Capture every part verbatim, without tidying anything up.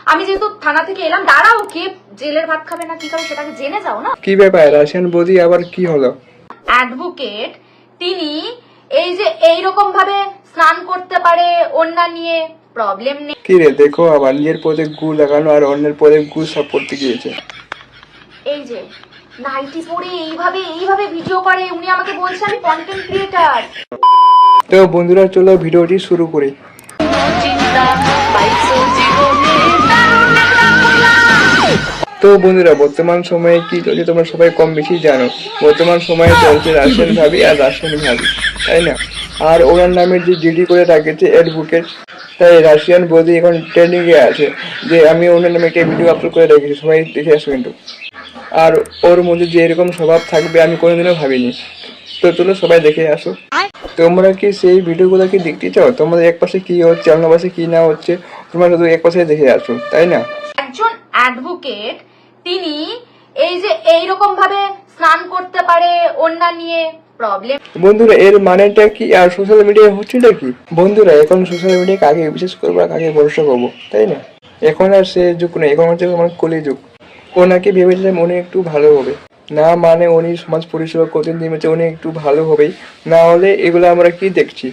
আমি যেহেতু থানা থেকে এলাম, দাঁড়াও, কে জেলের ভাত খাবে না কি খাবে সেটাকে জেনে যাও না। কি ব্যাপার, রাশিয়ান বৌদি আবার কি হলো? অ্যাডভোকেট তিনি এই যে এইরকম ভাবে স্নান করতে পারে, ওন্না নিয়ে প্রবলেম নেই। কি রে, দেখো আবার নিজের পদে গু লাগানো আর অন্যের পদে গু সব করতে গিয়েছে। এই যে নাইটি পরে এইভাবে এইভাবে ভিডিও করে, উনি আমাকে বলছে আমি কন্টেন্ট ক্রিয়েটার। তো বন্ধুরা চলো ভিডিওটি শুরু করি। তো বন্ধুরা বর্তমান সময়ে কি চলছে তোমরা সবাই কম বেশি জানো। বর্তমান সময়ে চলছে রাশিয়ান ভাবি আর রাশিয়ান ভাবি, তাই না? আর ওনার নামে যে জিডি করে রাখেছে অ্যাডভোকেট, তাই রাশিয়ান বৌদি এখন ট্রেন্ডিং এ আছে যে আমি ওনার নামে একটা ভিডিও আপলোড করে রেখেছি, সবাই দেখে আসো কিন্তু। আর ওর মধ্যে যে এরকম স্বভাব থাকবে আমি কোনোদিনও ভাবিনি। তো চলো সবাই দেখে আসো। তোমরা কি সেই ভিডিওগুলো কি দেখতে চাও? তোমাদের এক পাশে কি হচ্ছে, অন্য পাশে কি না হচ্ছে, তোমরা শুধু এক পাশে দেখে আসো, তাই না? একজন অ্যাডভোকেট তিনি এই যে এইরকম ভাবে স্নান করতে পারে, ওন্না নিয়ে প্রবলেম। বন্ধুরা এর মানেটা কি আর সোশ্যাল মিডিয়ায় হচ্ছেটা কি? বন্ধুরা এখন সোশ্যাল মিডিয়া কাকে বিশেষ করবো আর কাকে ভরসা করবো, তাই না? এখন আর সে যুগ নেই, এখন হচ্ছে আমার কলি যুগ। ওনাকে ভেবেছিলাম উনি একটু ভালো হবে, না মানে উনি সমাজ পরিষেবা করতে নেমেছে, উনি একটু ভালো হবেই, না হলে এগুলো আমরা কি দেখছি?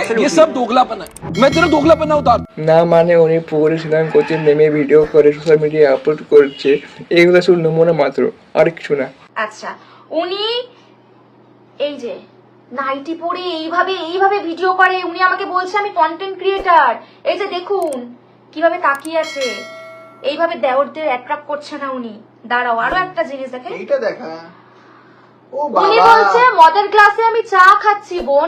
না মানে উনি পুকুরে স্নান করতে নেমে ভিডিও করে সোশ্যাল মিডিয়ায় আপলোড করছে, এগুলো শুধু নমুনা মাত্র, আর কিছু না। আচ্ছা, উনি এই যে নাইটি পরে এইভাবে এইভাবে ভিডিও করে, উনি আমাকে বলছে আমি কন্টেন্ট ক্রিয়েটার। এই যে দেখুন কিভাবে তাকিয়ে আছে, এইভাবে দেওরদের অ্যাট্রাক্ট করছে না উনি। দাঁড়াও আরো একটা জিনিস দেখেন, এইটা দেখা। ও উনি বাবা, বলছে মদের গ্লাসে আমি চা খাচ্ছি বোন,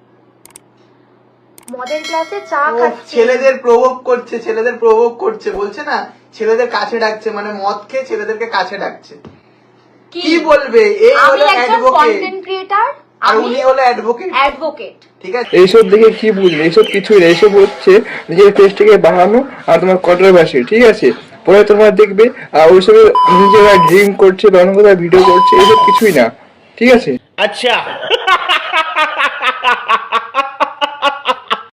মদের গ্লাসে চা ও খাচ্ছি। ছেলেদের প্রভোগ করছে, ছেলেদের প্রভোগ করছে, বলছে না ছেলেদের কাছে ডাকছে, মানে মদ খেয়ে ছেলেদেরকে কাছে ডাকছে। কি বলবে? এই আমি হলো একজন অ্যাডভোকেট কন্টেন্ট ক্রিয়েটার, আর আমি উনি হলো অ্যাডভোকেট, অ্যাডভোকেট। ঠিক আছে? এইসব দেখে কি বুঝলে? এইসব কিছুই না, এইসব হচ্ছে নিজের পেজটাকে বাড়ানো আর তোমার কন্ট্রোভার্সি, ঠিক আছে? পরে তোমরা দেখবে আর ওইসব নিজেরা ড্রিঙ্ক করছে বা অন্য কোথাও ভিডিও করছে, এইসব কিছুই না, ঠিক আছে? अच्छा